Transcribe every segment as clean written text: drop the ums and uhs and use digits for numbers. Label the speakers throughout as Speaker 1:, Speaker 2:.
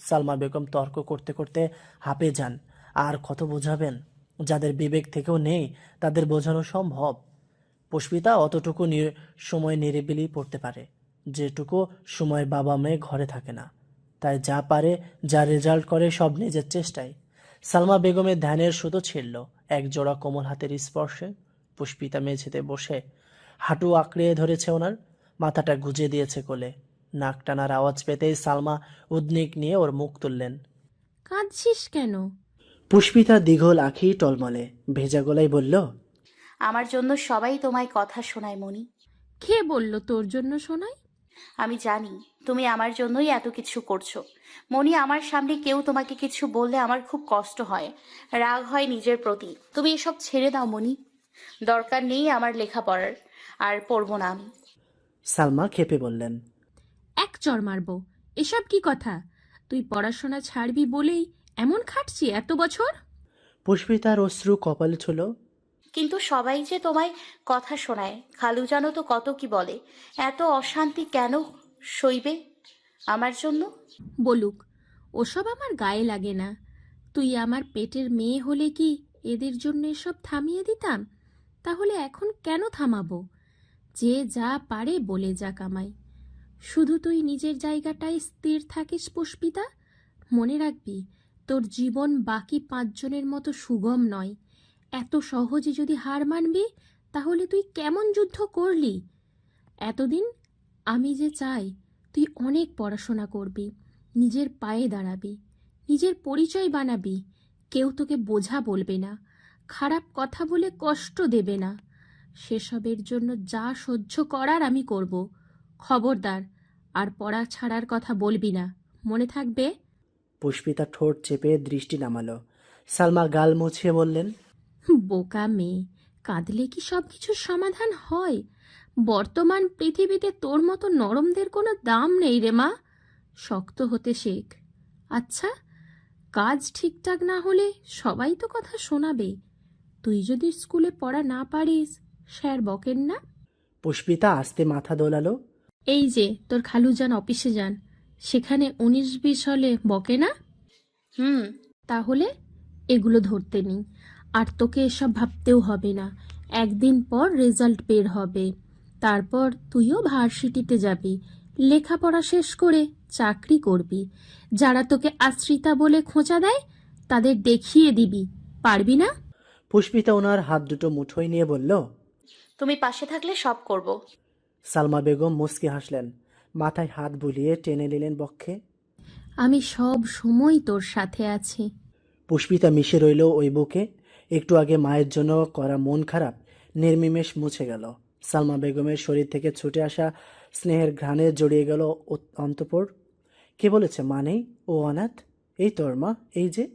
Speaker 1: সালমা বেগম তর্ক করতে করতে হাঁপে যান। আর কত বোঝাবেন? যাদের বিবেক থেকেও নেই তাদের বোঝানো সম্ভব? পুষ্পিতা অতটুকু সময় নিরিবিলি পড়তে পারে, যেটুকু সময় বাবা মেয়ে ঘরে থাকে না। তাই যা পারে, যা রেজাল্ট করে, সব নিজের চেষ্টায়। সালমা বেগমের ধ্যানের সুতো ছিঁড়ল এক জোড়া কোমল হাতের স্পর্শে। পুষ্পিতা মেঝেতে বসে হাঁটু আঁকড়ে ধরেছে ওনার, মাথাটা গুজে দিয়েছে কোলে। নাক টানার আওয়াজ পেতেই সালমা উদ্বেগ নিয়ে ওর মুখ তুললেন।
Speaker 2: কাঁদছিস কেন?
Speaker 1: পুষ্পিতা দীঘল আঁখি টলমলে ভেজা গলায় বলল,
Speaker 3: আমার জন্য সবাই তোমায় কথা শোনায় মনি।
Speaker 2: কে বলল তোর জন্য শোনাই?
Speaker 3: আমি জানি তুমি আমার জন্যই এত কিছু করছো মনি। আমার সামনে কেউ তোমাকে কিছু বললে আমার খুব কষ্ট হয়, রাগ হয় নিজের প্রতি। তুমি এসব ছেড়ে দাও মনি, দরকার নেই আমার লেখাপড়ার, আর পড়বো না আমি।
Speaker 1: সালমা খেপে বললেন।
Speaker 2: এক চড় মারবো। এসব কি কথা? তুই পড়াশোনা ছাড়বি বলেই এমন খাটছি এত বছর?
Speaker 1: পুষ্পিতার অশ্রু কপালে ছিল।
Speaker 3: কিন্তু সবাই যে তোমায় কথা শোনায়, খালু জানো তো কত কি বলে। এত অশান্তি কেন সইবে আমার জন্য?
Speaker 2: বলুক, ওসব আমার গায়ে লাগে না। তুই আমার পেটের মেয়ে হলে কি এদের জন্য এসব থামিয়ে দিতাম? তাহলে এখন কেন থামাবো? যে যা পারে বলে যা কামাই। শুধু তুই নিজের জায়গাটায় স্থির থাকিস পুষ্পিতা। মনে রাখবি, তোর জীবন বাকি 5 জনের মতো সুগম নয়। এত সহজে যদি হার মানবি, তাহলে তুই কেমন যুদ্ধ করলি এতদিন? আমি যে চাই তুই অনেক পড়াশোনা করবি, নিজের পায়ে দাঁড়াবি, নিজের পরিচয় বানাবি। কেউ তোকে বোঝা বলবে না, খারাপ কথা বলে কষ্ট দেবে না। সেসবের জন্য যা সহ্য করার আমি করব। খবরদার, আর পড়া ছাড়ার কথা বলবি না, মনে থাকবে?
Speaker 1: পুষ্পিতা ঠোঁট চেপে দৃষ্টি নামালো। সালমা গাল মুছিয়ে বললেন,
Speaker 2: বোকা মেয়ে, কাঁদলে কি সব কিছুর সমাধান হয়? বর্তমান পৃথিবীতে তোর মতো নরমদের কোনো দাম নেই রে মা। শক্ত হতে শেখ। আচ্ছা, কাজ ঠিকঠাক না হলে সবাই তো কথা শোনাবে। তুই যদি স্কুলে পড়া না পারিস, স্যার বকেন না?
Speaker 1: পুষ্পিতা আস্তে মাথা দোলালো।
Speaker 2: এই যে তোর খালু যান অফিসে যান, সেখানে 19-20 হলে বকে না?
Speaker 3: হুম।
Speaker 2: তাহলে এগুলো ধরতে নেই। আর তোকে এসব ভাবতেও হবে না। একদিন পর রেজাল্ট বের হবে, তারপর তুইও ভার্সিটিতে যাবি, লেখাপড়া শেষ করে চাকরি করবি। যারা তোকে আশ্রিতা বলে খোঁচা দেয়, তাদের দেখিয়ে দিবি। পারবি না?
Speaker 1: পুষ্পিতা ওনার হাত দুটো মুঠোয় নিয়ে বলল।
Speaker 3: তুমি পাশে থাকলে সব করব।
Speaker 1: সালমা বেগম মুচকি হাসলেন, মাথায় হাত বুলিয়ে টেনে নিলেন বক্ষে।
Speaker 2: আমি সব সময় তোর সাথে আছি।
Speaker 1: পুষ্পিতা মিশে রইল ওই বুকে। একটু আগে মায়ের জন্য করা মন খারাপ নির্নিমেষ মুছে গেল। সালমা বেগমের শরীর থেকে ছুটে আসা স্নেহের ঘ্রাণে জড়িয়ে গেল অন্তঃপুর। কে বলেছে মা নেই, ও অনাথ? এই তোর মা, এই যে।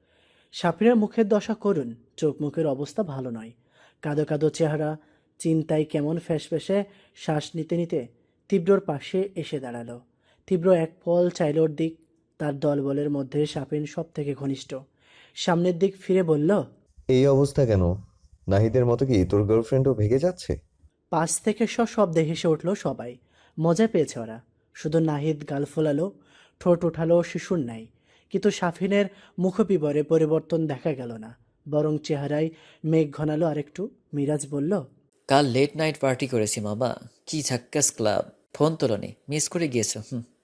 Speaker 1: সাফিরের মুখের দশা করুন, চোখ মুখের অবস্থা ভালো নয়। কাদো কাদো চেহারা, চিন্তায় কেমন ফ্যাসফ্যাসে শ্বাস নিতে নিতে তীব্রর পাশে এসে দাঁড়ালো। তীব্র এক পল চাইল ওর দিক। তার দলবলের মধ্যে সাফিন সব থেকে ঘনিষ্ঠ। সামনের দিক ফিরে বলল,
Speaker 4: এই অবস্থা কেন? নাহিদের মতো কি তোর গার্লফ্রেন্ডও ভেগে যাচ্ছে?
Speaker 1: পাশ থেকে সশব্দে হেসে উঠল সবাই। মজা পেয়েছে ওরা। শুধু নাহিদ গাল ফোলালো, ঠোঁট উঠালো শিশুর ন্যায়। কিন্তু সাফিনের মুখবিবরে পরিবর্তন দেখা গেল না, বরং চেহারায় মেঘ ঘনালো আরেকটু। মিরাজ বলল,
Speaker 5: কাল লেট নাইট পার্টি করেছি মামা, কি ঝাক্কাস ক্লাব। ফোন তোলনি, মিস করে গিয়েছো।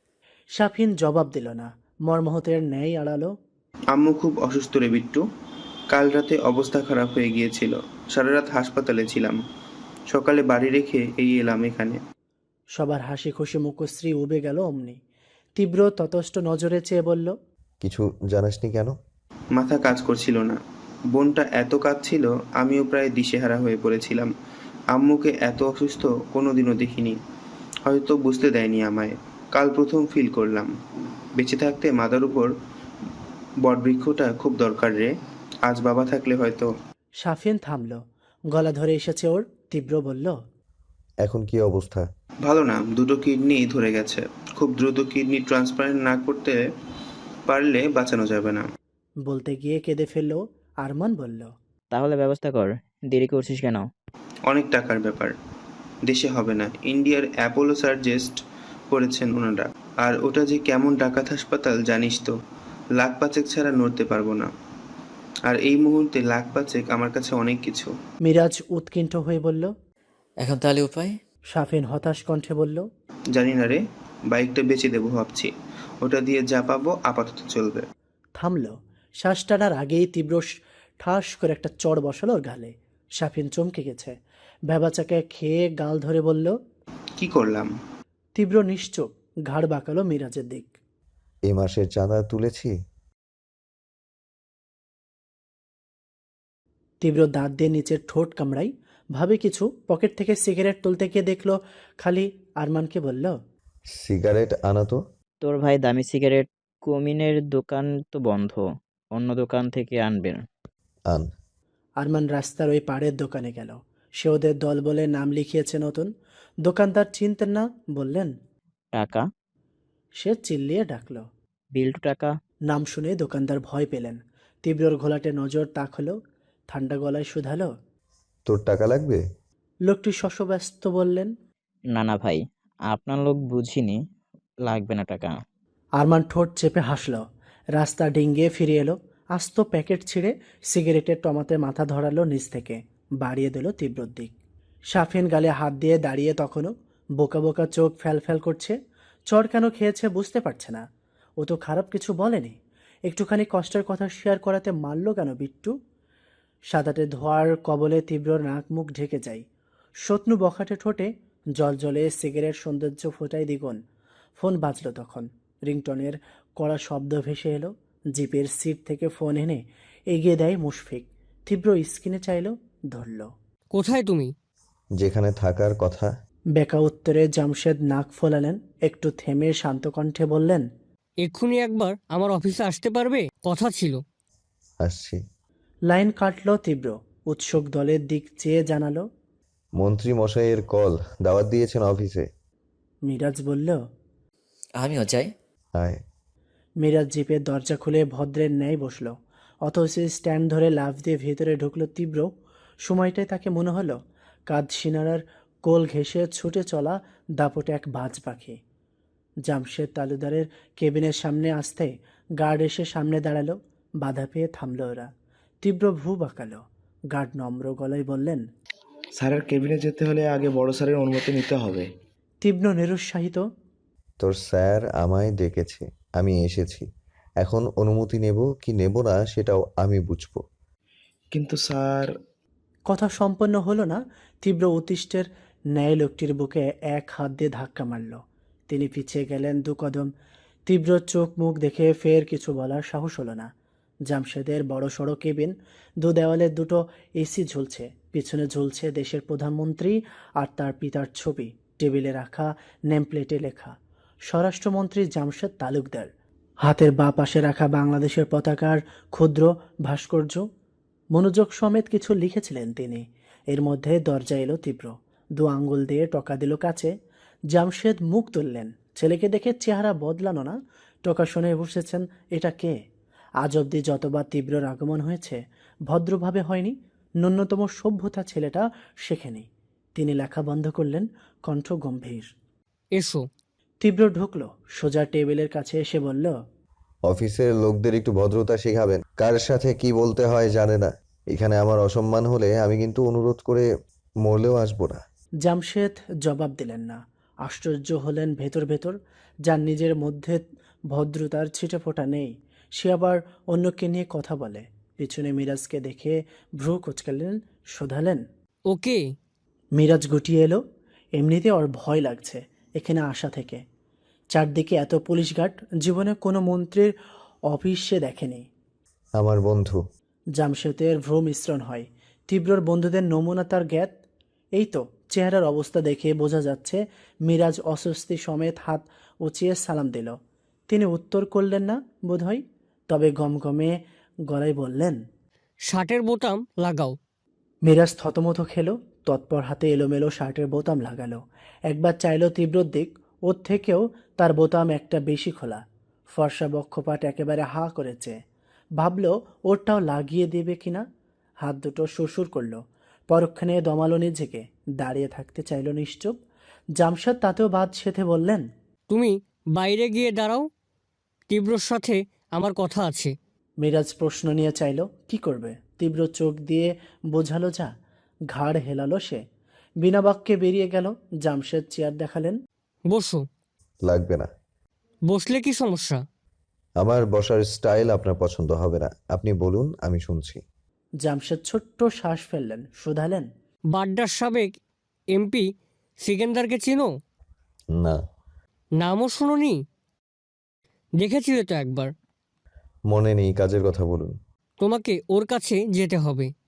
Speaker 1: সাফিন জবাব দিল না, মর্মাহতের ন্যায় আড়ালো।
Speaker 6: আম্মু খুব অসুস্থ রে বিট্টু। কাল রাতে অবস্থা খারাপ হয়ে গিয়েছিল, সারা রাত হাসপাতালে ছিলাম, সকালে বাড়ি রেখে এই এলাম এখানে।
Speaker 1: সবার হাসি খুশি মুখশ্রী উবে গেল অমনি। তীব্র ততষ্ট নজরে চেয়ে বলল,
Speaker 4: কিছু জানাসনি কেন?
Speaker 6: মাথা কাজ করছিল না, বোনটা এত কাঁদছিল, আমিও প্রায় দিশেহারা হয়ে পড়েছিলাম। আম্মুকে এত অসুস্থ কোনোদিনও দেখিনি, হয়তো বুঝতে দেয়নি আমায়। কাল প্রথম ফিল করলাম বেঁচে থাকতে মাথার উপর বটবৃক্ষটা খুব দরকার রে। আজ বাবা থাকলে হয়তো।
Speaker 1: সাফিন থামল, গলা ধরে এসেছে ওর। তীব্র বলল,
Speaker 4: এখন কি অবস্থা?
Speaker 6: ভালো না, দুটো কিডনি ধরে গেছে। খুব দ্রুত কিডনি ট্রান্সপ্লান্ট না করতে পারলে বাঁচানো যাবে না।
Speaker 1: বলতে গিয়ে কেঁদে ফেলল। আরমান বলল,
Speaker 7: তাহলে ব্যবস্থা কর, দেরি করছিস কেন?
Speaker 6: অনেক টাকার ব্যাপার, দেশে হবে না। ইন্ডিয়ার অ্যাপোলো সার্জেস্ট করেছেন ওনারা। আর ওটা যে কেমন ডাকাত হাসপাতাল জানিস তো, লাখ পাঁচেক ছাড়া নড়তে পারবো না। আর এই মুহূর্তে লাখ পাঁচেক আমার কাছে অনেক কিছু।
Speaker 1: মিরাজ উৎকণ্ঠ হয়ে বলল।
Speaker 5: এখন তাহলে উপায়?
Speaker 1: শাফিন হতাশ কণ্ঠে বলল।
Speaker 6: জানি না রে, বাইকটা বেচে দেবো ভাবছি, ওটা দিয়ে যা পাবো আপাতত চলবে।
Speaker 1: থামল। শ্বাস টানার আগেই তীব্র ঠাস করে একটা চড় বসালো ওর গালে। শাফিন চমকে গেছে, ভেবাচাকে খেয়ে গাল ধরে বলল।
Speaker 6: কি করলাম?
Speaker 1: তীব্র নিশ্চুপ, ঘাড় বাঁকালো মিরাজের দিক।
Speaker 4: এই মাসের চাঁদা তুলেছি।
Speaker 1: তীব্র দাঁত দিয়ে নিচের ঠোঁট কামড়াই, ভাবে কিছু, পকেট থেকে সিগারেট তুলতে গিয়ে দেখলো খালি। আরমানকে বলল।
Speaker 4: সিগারেট আনা তো।
Speaker 7: তোর ভাই দামি সিগারেট, কুমিনের দোকান তো বন্ধ, অন্য দোকান থেকে আনবেন।
Speaker 4: আন।
Speaker 1: আরমান রাস্তার ওই পাড়ের দোকানে গেল। সে ওদের দল বলে নাম লিখিয়েছে নতুন। দোকানদার চিনতেন না, বললেন।
Speaker 7: টাকা?
Speaker 1: সে চিল্লিয়ে ডাকল।
Speaker 7: বিল্টু টাকা।
Speaker 1: নাম শুনে দোকানদার ভয় পেলেন। তীব্রর ঘোলাটে নজর তাক হলো, ঠান্ডা গলায় শুধালো।
Speaker 4: তোর টাকা লাগবে?
Speaker 1: লোকটি শশব্যস্ত বললেন।
Speaker 7: না না ভাই, আপনার লোক বুঝিনি, লাগবে না টাকা।
Speaker 1: আরমান ঠোঁট চেপে হাসল। রাস্তা ডিঙ্গিয়ে ফিরে এলো, আস্ত প্যাকেট ছিঁড়ে সিগারেটের টমাতে মাথা ধরালো নিচ থেকে, বাড়িয়ে দিল তীব্রর দিক। শাফিন গালে হাত দিয়ে দাঁড়িয়ে তখনও, বোকা বোকা চোখ ফ্যাল ফ্যাল করছে। চড় কেন খেয়েছে বুঝতে পারছে না। ও তো খারাপ কিছু বলেনি, একটুখানি কষ্টের কথা শেয়ার করাতে মারল কেন বিট্টু? সাদাটে ধোয়ার কবলে তীব্র নাক মুখ ঢেকে যায়। শত্রু বখাটে ঠোঁটে জল জলে সিগারেট সৌন্দর্য ফোটায় দ্বিগুণ। ফোন বাজল তখন। রিংটনের কড়া শব্দ ভেসে এলো। জিপের সিট থেকে ফোন এনে এগিয়ে দেয় মুশফিক। তীব্র স্ক্রিনে চাইল, ধরল।
Speaker 8: কোথায় তুমি?
Speaker 4: যেখানে থাকার কথা।
Speaker 1: বেকা উত্তরে জামশেদ নাক ফোলালেন, একটু থেমে শান্ত কণ্ঠে বললেন।
Speaker 8: এক্ষুনি একবার আমার অফিসে আসতে পারবে, কথা ছিল।
Speaker 4: আসছি।
Speaker 1: লাইন কাটল তীব্র, উৎসুক দলের দিক চেয়ে জানালো।
Speaker 4: মন্ত্রী মশাইয়ের কল, দাওয়াত দিয়েছেন অফিসে।
Speaker 1: মিরাজ বলল।
Speaker 5: আমিও যাই।
Speaker 4: আয়।
Speaker 1: মিরাজ জিপের দরজা খুলে ভদ্রের ন্যায় বসল। অথচ স্ট্যান্ড ধরে লাফ দিয়ে ভেতরে ঢুকলো তীব্র। সময়টায় তাকে মনে হলো কাঁধ সিনারার কোল ঘেঁষে ছুটে চলা দাপটে এক বাজ পাখি। জামশেদ তালুদারের কেবিনের সামনে আসতে গার্ড এসে সামনে দাঁড়ালো। বাধা পেয়ে থামল ওরা। তীব্র ভ্রু বাঁকালো। গার্ড নম্র গলায় বললেন।
Speaker 9: স্যারের কেবিনে যেতে হলে আগে বড় স্যারের অনুমতি নিতে হবে।
Speaker 1: তীব্র নিরুৎসাহিত।
Speaker 4: তোর স্যার আমায় ডেকেছে, আমি এসেছি। এখন অনুমতি নেব কি নেব না সেটাও আমি বুঝবো।
Speaker 9: কিন্তু স্যার।
Speaker 1: কথা সম্পন্ন হলো না। তীব্র অতিষ্ঠের ন্যায় লোকটির বুকে এক হাত দিয়ে ধাক্কা মারল। তিনি পিছিয়ে গেলেন 2 কদম। তীব্র চোখ মুখ দেখে ফের কিছু বলার সাহস হলো না। জামশেদের বড় সড়ো কেবিন, 2 দেওয়ালে 2টো এসি ঝুলছে। পিছনে ঝুলছে দেশের প্রধানমন্ত্রী আর তার পিতার ছবি। টেবিলে রাখা নেমপ্লেটে লেখা স্বরাষ্ট্রমন্ত্রী জামশেদ তালুকদার। হাতের বাঁ পাশে রাখা বাংলাদেশের পতাকার ক্ষুদ্র ভাস্কর্য। মনোযোগ সমেত কিছু লিখেছিলেন তিনি। এর মধ্যে দরজা এলো তীব্র, 2 আঙ্গুল দিয়ে টকা দিল কাছে। জামশেদ মুখ তুললেন। ছেলেকে দেখে চেহারা বদলানো না, টকা শুনে বসেছেন। এটা কে? আজ অবধি যতবার তীব্রর আগমন হয়েছে ভদ্রভাবে হয়নি, ন্যূনতম সভ্যতা ছেলেটা শেখেনি। তিনি লেখা বন্ধ করলেন, কণ্ঠ গম্ভীর।
Speaker 8: এসো।
Speaker 1: তীব্র ঢুকলো, সোজা টেবিলের কাছে এসে বলল।
Speaker 4: অফিসের লোকদের একটু ভদ্রতা শেখাবেন, কার সাথে কি বলতে হয় জানে না। এখানে আমার অসম্মান হলে আমি কিন্তু অনুরোধ করে মরলেও আসবো না।
Speaker 1: জামশেদ জবাব দিলেন না। আশ্চর্য হলেন ভেতর ভেতর। যার নিজের মধ্যে ভদ্রতার ছিটেফোঁটা নেই, সে আবার অন্যকে নিয়ে কথা বলে। পিছনে মিরাজকে দেখে ভ্রু কুঁচকালেন, শোধালেন।
Speaker 8: ওকে।
Speaker 1: মিরাজ গুটিয়ে এলো। এমনিতে ওর ভয় লাগছে এখানে আসা থেকে। চারদিকে এত পুলিশ গার্ড, জীবনে কোনো মন্ত্রীর অফিস সে দেখেনি।
Speaker 4: আমার বন্ধু।
Speaker 1: জামশেদের ভ্রু মিশ্রণ হয়। তীব্রর বন্ধুদের নমুনা তার জ্ঞাত। এই তো চেহারার অবস্থা দেখে বোঝা যাচ্ছে। মিরাজ অস্বস্তি সমেত হাত উঁচিয়ে সালাম দিল। তিনি উত্তর করলেন না বোধহয়, তবে গমগমে গলায় বললেন।
Speaker 8: শার্টের বোতাম লাগাও।
Speaker 1: মিরাজ থতমত খেলো, তৎপর হাতে এলোমেলো শার্টের বোতাম লাগালো। একবার চাইলো তীব্রর দিক, ওর থেকেও তার বোতাম একটা বেশি খোলা। ফর্সা বক্ষপাট একেবারে হা করেছে। ভাবল ওরটাও লাগিয়ে দেবে কিনা। হাত দুটো সুরসুর করলো। পরক্ষণে দমালো নিজেকে, দাঁড়িয়ে থাকতে চাইল নিশ্চুপ। জামশেদ তাতেও বাদ সেধে বললেন।
Speaker 8: তুমি বাইরে গিয়ে দাঁড়াও, তীব্রর সাথে আমার কথা আছে।
Speaker 1: মিরাজ প্রশ্ন নিয়ে চাইল কি করবে। তীব্র চোখ দিয়ে বোঝালো যা। ঘাড় হেলালো সে। বিনা বাক্যে বেরিয়ে গেল। জামশেদ চেয়ার দেখালেন।
Speaker 8: বসো।
Speaker 4: লাগবে না।
Speaker 8: বসলে কি সমস্যা?
Speaker 4: আমার বসার স্টাইল আপনার পছন্দ হবে না। আপনি বলুন, আমি শুনছি।
Speaker 1: জামশেদ ছোট্ট শ্বাস ফেললেন, শুধালেন।
Speaker 8: বাড্ডার সাবেক এমপি সিকেন্দারকে চিনো?
Speaker 4: না।
Speaker 8: নামও শুনোনি? দেখেছিলে তো একবার।
Speaker 4: মনে নেই, কাজের কথা বলুন।
Speaker 8: তোমাকে ওর কাছে যেতে হবে।